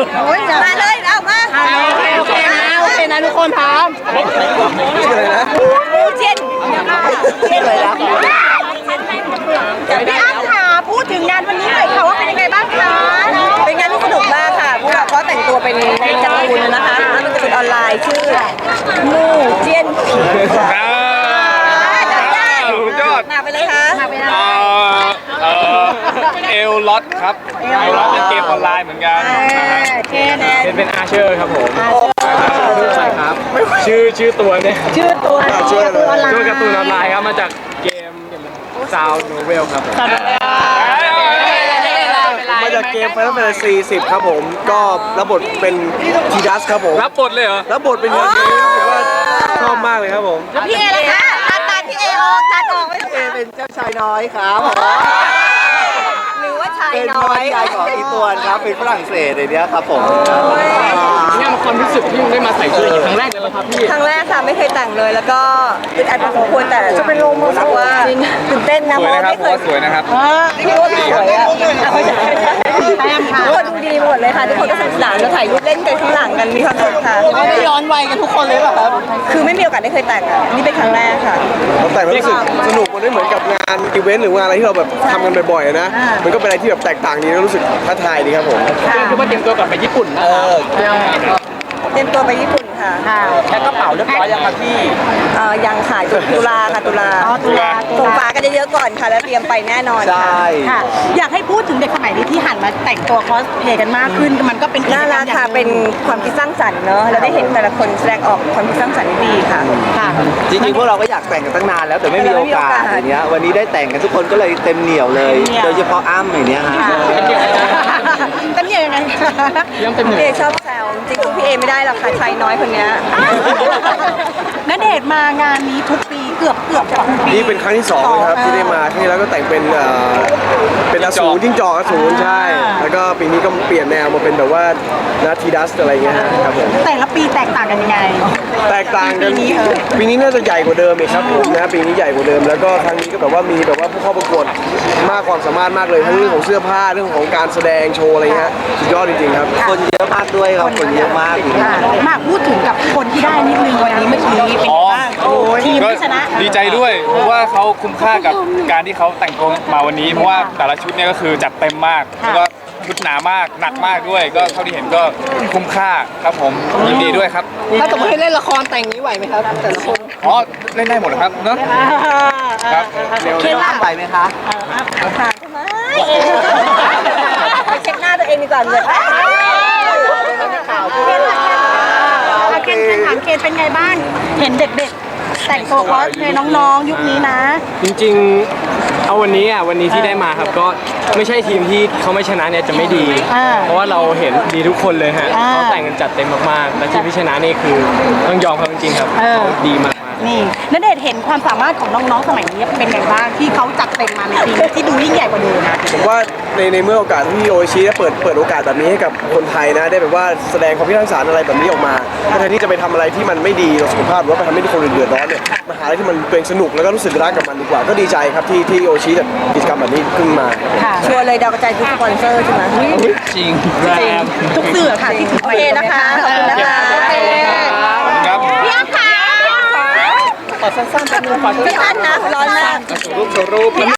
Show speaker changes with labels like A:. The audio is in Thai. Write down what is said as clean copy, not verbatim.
A: มาเลยเอามา
B: โอเคนะทุกคนพร้อม
A: ชื่ออะไรนะเจน
B: ชื่ออะไรนะ
A: พี่อ้ำค่ะพูดถึงงานวันนี้หน่อยค่ะว่าเป็นยังไงบ้างคะเป็นงานที่สนุกมากค่ะพวกเราก็แต่งตัวเป็นการ์ตูนนะคะแล้วมันจะเป็นออนไลน์ชื่อมูเจียน
C: ยอด
A: มาไปเลยค่ะ
C: เอลล็อตครับเอลล็อตเป็นเกมออนไลน์เหมือนกันเป็นอาเชอร์ครับผมใช่ครับชื่อตัวเนี่ย
A: ชื่อตัว
C: การ์ตูนออนไลน์ครับมาจากเกมซาวโนเวลครับ
D: มาจากเกม Final Fantasy 10ครับผมก็รับบทเป็นทีดัสครับผม
C: รับบทเลยเหรอ
D: รับบทเป็นยังไงรู้สึกว่าชอบมากเลยครับผม
A: แล้วพี่เอล่ะคะตาพี่เอออกตาออกไม่ต้องเอ
D: เป็นเจ้าชายน้อยครับ
A: หรือว่าชายน้อย
D: เป็นน้องชายของอีตวนครับเป็นฝรั่งเศสในนี้ครับผม
C: เนี่ยมันความรู้สึกที่ได้มาใส่เสื้อครั้งแรกเลยครับพี่
A: ครั้งแรกค่ะไม่เคยแต่งเลยแล้วก็อึดอัดพอสมควรแต่จะเป็นลมรู้สึกว่าตื่นเต้นนะเพราะไม่เคย
C: สวยนะครับ
A: พี่ว่าสวยอ่ะทุกคนดูดีหมดเลยค่ะทุกคนก็สนุกสนานแล้วถ่ายรูปเล่นกันข้างหลังกันมีความสุขค่ะ
B: ได้ย้อนวัยกันทุกคนเลยเหรอครับ
A: คือไม่มีโอกาสได้เคยแต่งอ่ะนี่เป็นครั้งแรกค่ะ
D: แต่งแล้วรู้สึกสนุกมันไม่เหมือนกับงานอีเวนต์หรืองานอะไรที่เราแบบทำกันบ่อยๆนะมันก็เป็นอะไรที่แบบแตกต่างดีแล้วรู้สึกท้าทายดีครับผม
C: คือว่าเตรียมตัวกลับไปญี่ปุ่นนะ
A: เตรียมตัวไปญี่ปุ่นค่ะ
B: แค่กระเป๋าเรียบร้อยยังครับพี่
A: ยังขายตุลาค่ะตุลาส่งฝากันเยอะๆก่อนค่ะแล้วเตรียมไปแน่นอน
B: ค่ะอยากให้พูดถึงเด็กสมัยนี้ที่หันมาแต่งตัวคอสเพลย์กันมากขึ้นมันก็เป็น
A: น่ารักค่ะเป็นความคิดสร้างสรรค์เนอะเราได้เห็นแต่ละคนแสดงออกความคิดสร้างสรรค์ดีค่ะ
D: จริงๆพวกเราก็อยากแต่งกันตั้งนานแล้วแต่ไม่มีโอกาสอย่างเงี้ยวันนี้ได้แต่งกันทุกคนก็เลยเต็มเหนียวเลยโดยเฉพาะอ้ำอย่างเนี้ยฮะ
A: เต็มเหนียวยังไงพี่เอชอบแซวจริงๆพี่เอไม่ได้หรอกค่ะชายน้อยคนนี้
B: ณเดชน์มางานนี้ทุกปีเกือบจะทุกปี
D: นี่เป็นครั้งที่2เลยครับที่ได้มาครั้งที่แล้วก็แต่งเป็นอสูรจิ้งจอกอสูรใช่แล้วก็ปีนี้ก็เปลี่ยนแนวมาเป็นแบบว่านาทีดัสอะไรเงี้ยครับผม
B: แต่ละปีแตกต่างกันยังไง
D: แตกต่างกันปีนี้น่าจะใหญ่กว่าเดิมอีกครับผมนะปีนี้ใหญ่กว่าเดิมแล้วก็ครั้งนี้ก็แบบว่ามีแบบว่าผู้เข้าประกวดมากความสามารถมากเลยทั้งเรื่องของเสื้อผ้าเรื่องของการแสดงโชว์อะไรเงี้ยสุดยอดจริงๆครับคนเยอะมากด้วยครับคนเยอะมาก
B: มากพูดถึงกับคนที่ได้นิดนึงวันนี้เมื่อกี้เป็นบ้างทีมที่ชนะ
C: ดีใจด้วยเพราะว่าเขาคุ้มค่ากับการที่เขาแต่งตัวมาวันนี้เพราะว่าแต่ละชุดเนี่ยก็คือจัดเต็มมากแล้วก็ชุดหนามากหนักมากด้วยก็เท่าที่เห็นก็คุ้มค่าครับผมยินดีด้วยครับ
B: ถ้าสมมติให้เล่นละครแต่งนี้ไหวไหมครับแต่ละคน
C: เล่นได้หมดครับเนอะครับ
A: เร็วๆไปไหมคะผ่านทำไมไปเช็คหน้าตัวเองดีกว่าเลย
B: เคนถามเคนเป็นไงบ้างเห็นเด็กๆแต่งตัวคอสเพลย์น้องๆยุคนี้นะ
E: จริงๆเอาวันนี้ที่ได้มาครับก็ไม่ใช่ทีมที่เขาไม่ชนะเนี่ยจะไม่ดีเพราะว่าเราเห็นดีทุกคนเลยฮะเขาแต่งกันจัดเต็มมากๆและทีมที่ชนะนี่คือต้องยอมเขาจริงๆครับเขาดีมาก
B: นี่ณเดชน์เห็นความสามารถของน้องๆสมัยนี้เป็นไงบ้างที่เขาจัดเต็มมาในปีที่ดูยิ่งใหญ่กว่าเดิม
D: ผมว่าในเมื่อโอกาสที่โอชิได้เปิดโอกาสแบบนี้ให้กับคนไทยนะได้แบบว่าแสดงความคิดสร้างสรรค์อะไรแบบนี้ออกมาแทนที่จะไปทำอะไรที่มันไม่ดีต่อสุขภาพหรือว่าไปทำให้คนอื่นเดือดร้อนเนี่ยมาหาอะไรที่มันตัวเองสนุกแล้วก็รู้สึกรักกับมันดีกว่าก็ดีใจครับที่โอชิจัดกิจกรรมแบบนี้ขึ้นมา
A: ชัวร์เลยดาวกระจายทุกสปอนเซอร์ใช่ไหม
C: จริง
B: ทุกสื่อค่ะที่ถือ
A: โอเคนะคะขอบคุณนะคะพี่อ้ำค่ะ
B: ขอสั้นๆเป็นสั้น
A: นะร้อนมาก
C: รูป